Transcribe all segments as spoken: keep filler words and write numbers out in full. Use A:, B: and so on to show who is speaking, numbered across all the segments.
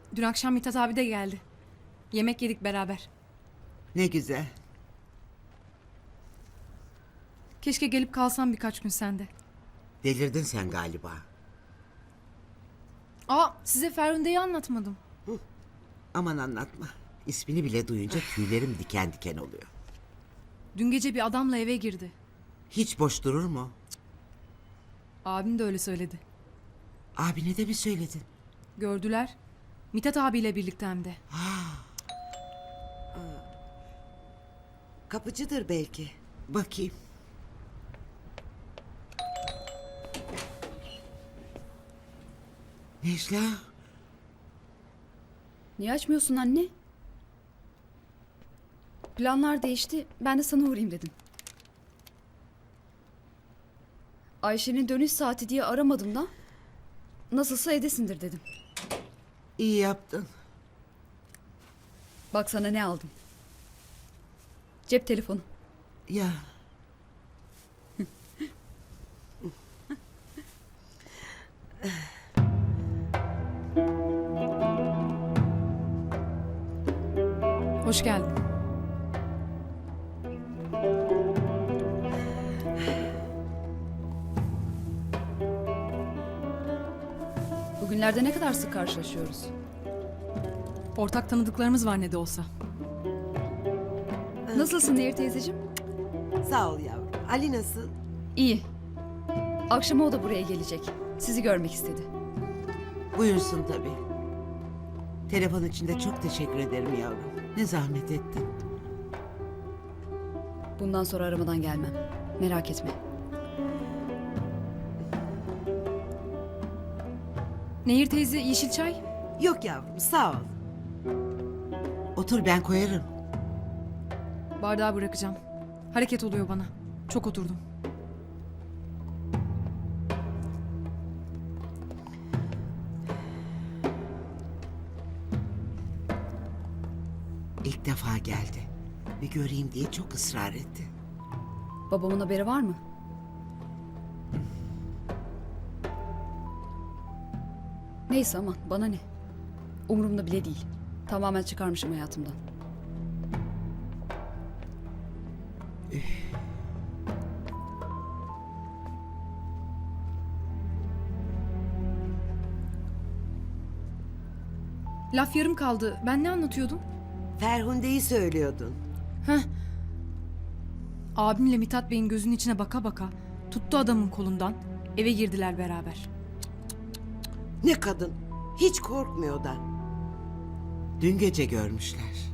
A: Dün akşam Mithat abi de geldi. Yemek yedik beraber.
B: Ne güzel.
A: Keşke gelip kalsam birkaç gün sende.
B: Delirdin sen galiba.
A: Aa, size Ferhunde'yi anlatmadım.
B: Aman anlatma. İsmini bile duyunca tüylerim diken diken oluyor.
A: Dün gece bir adamla eve girdi.
B: Hiç boş durur mu?
A: Abim de öyle söyledi.
B: Abine de mi söyledin?
A: Gördüler. Mithat abiyle birlikte hem de.
B: Kapıcıdır belki. Bakayım. Necla.
C: Niye açmıyorsun anne? Planlar değişti. Ben de sana uğrayayım dedim. Ayşe'nin dönüş saati diye aramadım da. Nasılsa evdesindir dedim.
B: İyi yaptın.
C: Bak sana ne aldım. Cep telefonu.
B: Ya.
A: Hoş geldin.
C: Bugünlerde ne kadar sık karşılaşıyoruz.
A: Ortak tanıdıklarımız var ne de olsa.
C: Nasılsın Nehir teyzeciğim?
D: Sağ ol yavrum. Ali nasıl?
C: İyi. Akşama o da buraya gelecek. Sizi görmek istedi.
B: Buyursun tabii. Telefon için de çok teşekkür ederim yavrum. Ne zahmet ettin.
C: Bundan sonra aramadan gelmem. Merak etme.
A: Nehir teyze yeşil çay.
D: Yok yavrum sağ ol.
B: Otur ben koyarım.
A: Bardağı bırakacağım. Hareket oluyor bana. Çok oturdum.
B: İlk defa geldi. Bir göreyim diye çok ısrar etti.
C: Babamın haberi var mı? Neyse aman bana ne. Umurumda bile değil. Tamamen çıkarmışım hayatımdan.
A: Laf yarım kaldı. Ben ne anlatıyordum?
D: Ferhunde'yi söylüyordun.
A: Heh. Abimle Mithat Bey'in gözünün içine baka baka tuttu adamın kolundan. Eve girdiler beraber.
D: Ne kadın. Hiç korkmuyor da.
B: Dün gece görmüşler.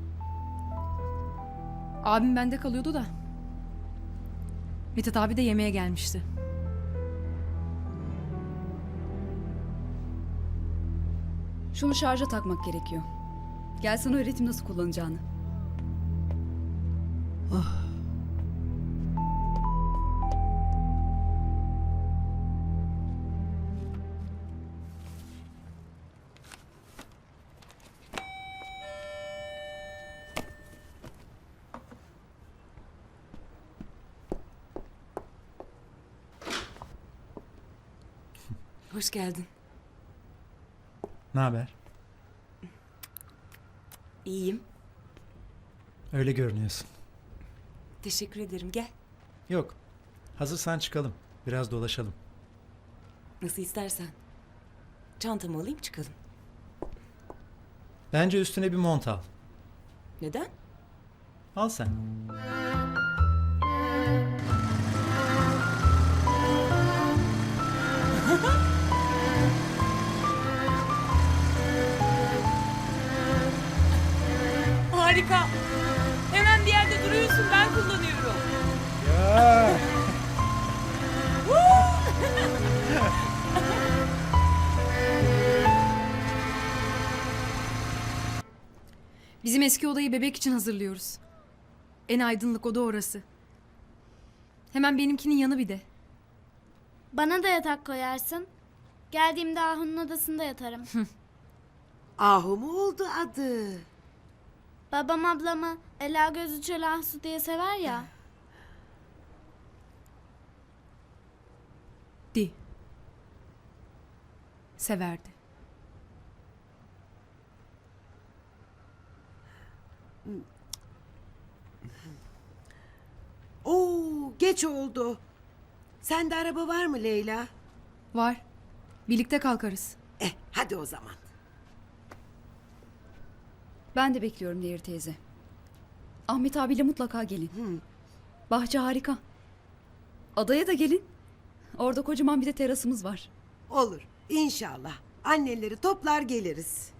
A: Abim bende kalıyordu da. Mithat abi de yemeğe gelmişti.
C: Şunu şarja takmak gerekiyor. Gel sana öğreteyim nasıl kullanacağını.
E: Hoş geldin.
F: Ne haber?
E: İyiyim.
F: Öyle görünüyorsun.
E: Teşekkür ederim. Gel.
F: Yok. Hazırsan çıkalım. Biraz dolaşalım.
E: Nasıl istersen. Çantamı alayım çıkalım.
F: Bence üstüne bir mont al.
E: Neden?
F: Al sen.
E: Harika. Hemen bir yerde duruyorsun. Ben kullanıyorum.
F: Ya.
A: Bizim eski odayı bebek için hazırlıyoruz. En aydınlık oda orası. Hemen benimkinin yanı bir de.
G: Bana da yatak koyarsın. Geldiğimde Ahu'nun odasında yatarım.
D: Ahu mu oldu adı?
G: Babam ablamı Ela Gözü Çöl Ahsu diye sever ya.
A: Di. Severdi.
D: Oo, geç oldu. Sende araba var mı Leyla?
A: Var. Birlikte kalkarız.
D: Eh, hadi o zaman.
C: Ben de bekliyorum Nehir teyze. Ahmet abiyle mutlaka gelin. Bahçe harika. Adaya da gelin. Orada kocaman bir de terasımız var.
D: Olur, inşallah. Anneleri toplar geliriz.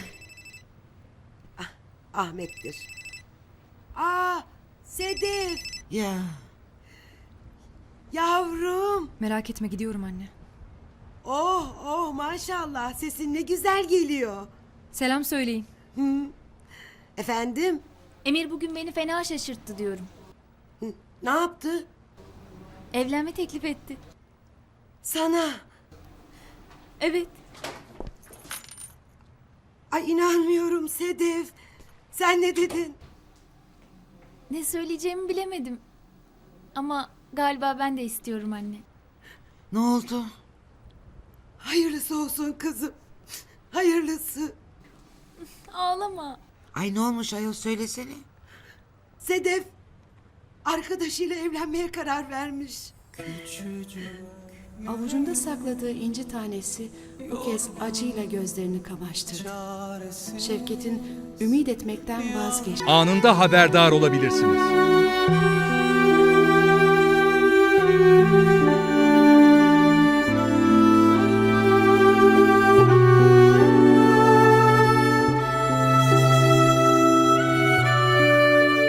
D: ah, Ahmet'tir. Aa, Sedef,
B: Ya
D: yavrum.
A: Merak etme gidiyorum anne.
D: Oh, oh maşallah, sesin ne güzel geliyor.
A: Selam söyleyin.
D: Efendim,
H: Emir bugün beni fena şaşırttı diyorum.
D: ne yaptı?
H: Evlenme teklif etti.
D: Sana.
H: Evet.
D: Ay inanmıyorum Sedef. Sen ne dedin?
H: Ne söyleyeceğimi bilemedim. Ama galiba ben de istiyorum anne.
B: ne oldu?
D: Hayırlısı olsun kızım. Hayırlısı.
H: Ağlama.
B: Ay ne olmuş ayol söylesene.
D: Sedef arkadaşıyla evlenmeye karar vermiş.
I: Avucunda sakladığı inci tanesi bu kez acıyla gözlerini kamaştırdı. Şevket'in ümit etmekten vazgeçti.
J: Anında haberdar olabilirsiniz.